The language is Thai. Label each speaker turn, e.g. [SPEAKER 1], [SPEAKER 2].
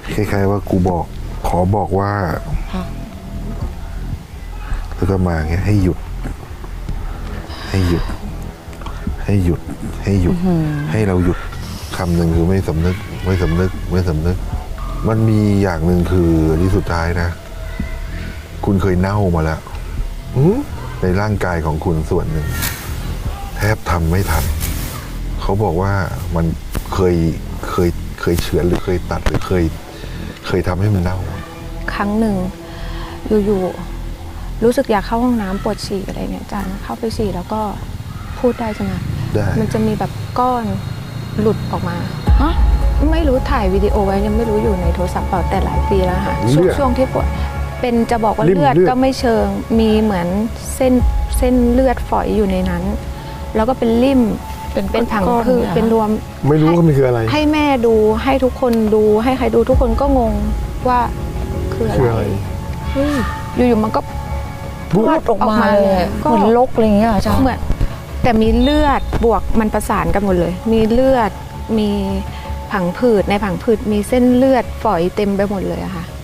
[SPEAKER 1] คล้ายๆว่ากูบอกขอบอกว่าแล้วก็มาเงี้ยให้หยุด ให้หยุด ให้หยุด ให้หยุด ให้เราหยุดคำหนึ่งคือไม่สำนึก ไม่สำนึก ไม่สำนึก มันมีอย่างหนึ่งคือที่สุดท้ายนะ คุณเคยเน่ามาแล้วในร่างกายของคุณส่วนหนึ่ง แทบทำไม่ทันเขาบอกว่ามันเคยเฉือนหรือเคยตัดหรือเคยทำให้มันเน่า
[SPEAKER 2] ครั้งหนึ่งอยู่ๆรู้สึกอยากเข้าห้องน้ำปวดฉี่อะไรเนี่ยอาจารย์เข้าไปฉี่แล้วก็พูดได้ใช่ไหม
[SPEAKER 1] ได้
[SPEAKER 2] มันจะมีแบบก้อนหลุดออกมาไม่รู้ถ่ายวิดีโอไว้ยังไม่รู้อยู่ในโทรศัพท์เปล่าแต่หลายปีแล้วค่ะช่วงที่ปวดเป็นจะบอกว่าเลือดก็ไม่เชิงมีเหมือนเส้นเลือดฝอยอยู่ในนั้น แล้วก็เป็นริ่มเป็นผังผืดเป็นรวม
[SPEAKER 3] ไม่รู้ว่ามันคืออะไร
[SPEAKER 2] ให้แม่ดูให้ทุกคนดูให้ใครดูทุกคนก็งงว่าคืออะไรอยู่ๆมันก็
[SPEAKER 4] พูดออกมาเลยเหมือนลกอะไรอย่างเงี้ยอาจารย์
[SPEAKER 2] เหมือนแต่มีเลือดบวกมันประสานกันหมดเลยมีเลือดมีผังผืดในผังผืดมีเส้นเลือดฝอยเต็มไปหมดเลยอะค่ะ